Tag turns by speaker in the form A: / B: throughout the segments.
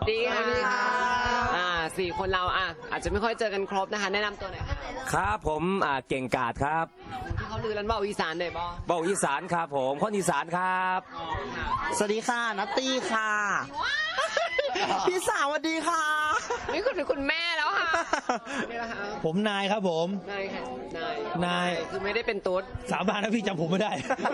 A: ดีค่ะสี่คนเราอาจจะไม่ค่อยเจอกันครบนะคะแนะนำตัวหน่อยค่ะ
B: ครับผมเก่งกาจครับ
A: ที่เขาลือกันว่าอีสานหน่อยบ่
B: เบาอีสานครับผมคนอีสานครับ
C: สวัสดีค่ะนัตตี้ค่ะพี่สาวสวัสดีค่ะ
A: นี่คุณแม่แล้วค่ะนี่แหละค่ะ
D: ผมนายครับผม
A: นายค่ะ
D: นาย
A: คือไม่ได้เป็นตุ๊ด
D: สาบานนะพี่จำผมไม่ได้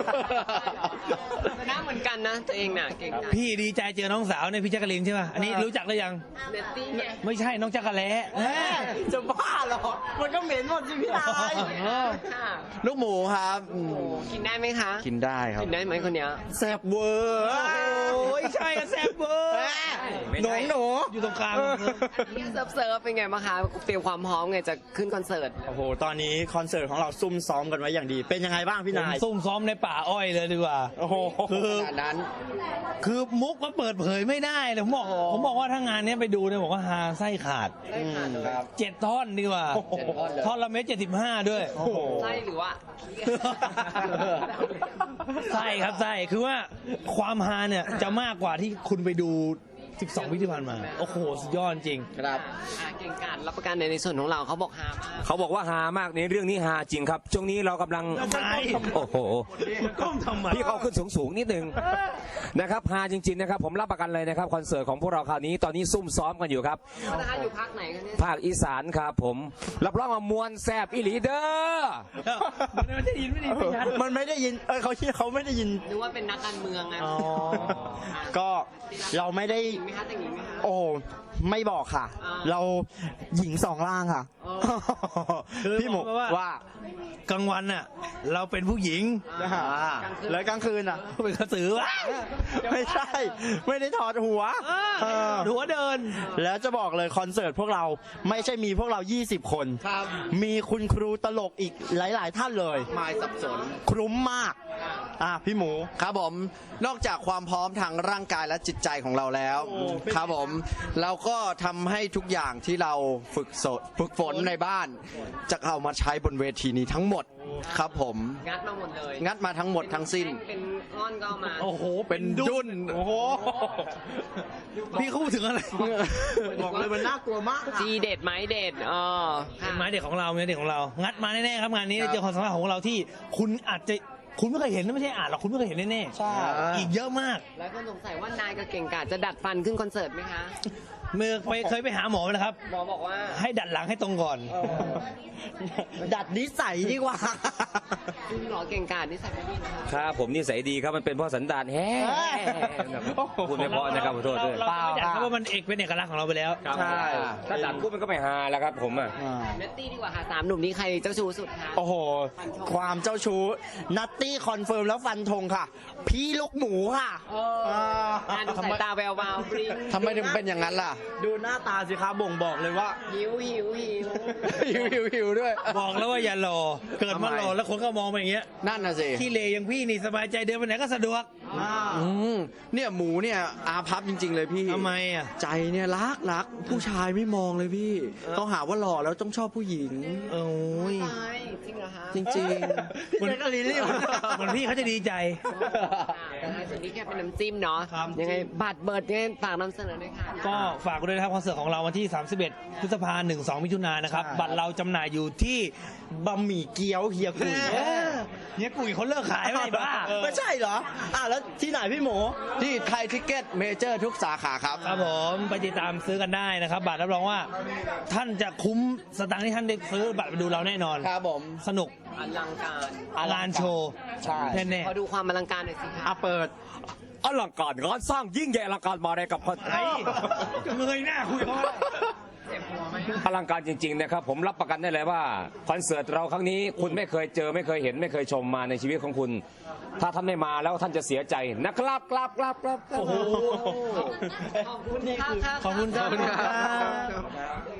A: หน้าเหมือนกันนะตัวเองน่ะเก่งนะ
D: พี่ดีใจเจอน้องสาวเนี่ยพี่แจ๊กกะลีนใช่ป่ะอันนี้รู้จักหรือยัง
A: เนตตี้ไง
D: ไม่ใช่น้องจักรแล้
C: จะบ้าเหรอมันก็เหม็นหมดสิพี่นายลูกหมูครับ
A: กินได้ไหมคะ
C: กินได้ครับ
A: กินได้ไหมคนเนี้ย
C: แซ่บเวอร์
D: โอ้ยใช่แซ่บเวอร์
C: หนู
D: อยู่ตรงกลาง
A: นี่เซิร์ฟเป็นไงบ้างคะเตรียมความพร้อมไงจะขึ้นคอนเสิร์ต
C: โอ้โหตอนนี้คอนเสิร์ตของเราซุ่มซ้อมกันไว้อย่างดีเป็นยังไงบ้างพี่นาย
D: ซุ่มซ้อมในป่าอ้อยเลยดีกว่า
C: โอ้โห
A: ขนาดนั้น
D: คือมุกก็เปิดเผยไม่ได้เลยผมบอกว่าถ้างานนี้ไปดูเนี่ยบอกว่าฮาไส้ขาด
A: ครับ
D: 7 ท่อนดีกว่าท่อนละ1.75 ด้วย
A: ไส้หรือว่า
D: ไส้ครับไส้คือว่าความฮาเนี่ยจะมากกว่าที่คุณไปดู12 ปีที่ผ่านมาโอ้โหสุดยอดจริง
A: ครับเก่งกาจรับประกันในส่วนของเราเขาบอกฮามาก
B: เขาบอกว่าฮามากในเรื่องนี้ฮาจริงครับช่วงนี้เรากำลังโอ้โหพี่เขาขึ้นสูงนิดนึงนะครับฮาจริงๆนะครับผมรับประกันเลยนะครับคอนเสิร์ตของพวกเราคราวนี้ตอนนี้ซุ่มซ้อมกันอยู่ครับ
A: อยู่ภาคไหนกันเนี่ย
B: ภาคอีสานครับผมรับรองว่ามวลแซบอีหลีเด้อ
D: มันไม่ได้ยิน
C: มันไม่ได้ยินเขาไม่ได้ยิน
A: หรือว่าเป็นนักการเมืองไง
C: ก็เราไม่ได้โอ้ไม่บอกค่ะเราหญิง2 ร่างค่ะพี่หมูว่
D: ากลางวันน่ะเราเป็นผู้หญิง
C: แล้วกลางคืนอ่ะ
D: เป็นกระสือวะ
C: ไม่ใช่ไม่ได้ถอดหัว
D: เดิน
C: แล้วจะบอกเลยคอนเสิร์ตพวกเราไม่ใช่มีพวกเรา20 คนมีคุณครูตลกอีกหลายๆท่านเลย
A: ไม่สับสน
C: คลุ้มมากพี่หมู
E: ครับผมนอกจากความพร้อมทางร่างกายและจิตใจของเราแล้วครับผมเราก็ทำให้ทุกอย่างที่เราฝึกฝนในบ้านจะเอามาใช้บนเวทีนี้ทั้งหมดครับผม
A: งัดมาหมดเลย
E: งัดมาทั้งหมดทั้งสิ้น
A: เป็นก้อนก็มา
D: โอ้โห
E: เป็นดุน
D: โอ้โหพี่เขาพูดถึงอะไร
C: บอกเลยมันน่ากลัวมาก
A: จีเด็ดไม้เด็ด
D: ไม้เด็ดของเรางัดมาแน่ๆครับงานนี้เจอความสามารถของเราที่คุณไม่เคยเห็นไม่ใช่อ่านหรอกคุณไม่เคยเห็นแน่
C: ๆใช่
D: อีกเยอะมาก
A: แล้วก็สงสัยว่านายกับเก่งกาจจะดัดฟันขึ้นคอนเสิร์ตไหมคะ
D: เคยไปหาหมอไหมครับ
A: หมอบอกว่า
D: ให้ดัดหลังให้ตรงก่อน
C: ดัดนิสัยดีกว่า
A: คุณหมอเก่งกาจนิสัยไม่ดี
B: นะครับผมนิสัยดีครับมันเป็นเพราะสันดานแฮ่พูดไม่พอนะครับขอโทษด้วย
D: เปล่าเพราะว่ามันเป็นเอกลักษณ์ของเราไปแล้ว
B: ใช่ถ้าดัดพูดมันก็ไม่ฮาแล้วครับผม
A: เนตตี้ดีกว่าค่ะ3 หนุ่มนี้ใครเจ้าชู้สุดคะ
C: โอ้โหความเจ้าชู้นัตตี้คอนเฟิร์มแล้วฟันธงค่ะพี่ลูกหมูค่ะ
A: สายตาแวววาว
E: ทำไมถึงเป็นอย่างนั้นล่ะ
C: ดูหน้าตาสิครับบ่งบอกเลยว่า
A: หิว
E: ด้วย
D: บอกแล้วว่าอย่ารอเกิดมารอแล้วคนก็มองไปอย่างเงี้ย
E: นั่นน่ะสิ
D: ที่เลอย่างพี่นี่สบายใจเดินไปไหนก็สะดวก
E: เนี่ยหมูเนี่ยอาภัพจริงๆเลยพี่
D: ทำไม
E: ใจเนี่ยรักผู้ชายไม่มองเลยพี่ต้องหาว่าหล่อแล้วต้องชอบผู้หญิง
D: โอ้ย
A: จริงเหรอฮะ
E: จริง
C: ๆมันก็ลิ้น
D: เหมือนพี่เขาจะดีใจ
A: ส่วนนี้แค่เป็นน้ำจิ้มเนาะยังไงบัตรเบิร์ดเนี่ยฝากนำเสนอด้วยค่ะ
D: ก็ฝากด้วยนะครับคอนเสิร์ตของเราวันที่31 พฤษภาคม 1-2 มิถุนายนนะครับบัตรเราจำหน่ายอยู่ที่
C: บะหมี่เกี๊ยวเฮียกุย
D: เฮียกุยเขาเลิกขายไม่บ้า
C: ไม่ใช่เหรอแล้วที่ไหนพี่หมู
E: ที่ไทยทิกเก็ตเมเจอร์ทุกสาขาครับ
D: ครับผมไปติดตามซื้อกันได้นะครับบัตรรับรองว่าท่านจะคุ้มสตางค์ที่ท่านได้ซื้อบัตรไปดูเราแน่นอน
E: ครับผม
D: สนุก
A: อลังการ
D: งานโชว์
C: ใช่
D: แน่
A: ๆขอดูความอลังการหน่อยสิคะ
C: เปิด
B: อลังการงานสร้างยิ่งใหญ่อลังการมาเลยกับคนไทย
D: เงยหน้าคุยเขา
B: อลังการจริงๆนะครับผมรับประกันได้เลยว่าคอนเสิร์ตเราครั้งนี้คุณไม่เคยเจอไม่เคยเห็นไม่เคยชมมาในชีวิตของคุณถ้าท่านไม่มาแล้วท่านจะเสียใจนะครับ
D: โอ้โห
A: ขอบคุณค่ะ
D: ขอบคุณครับ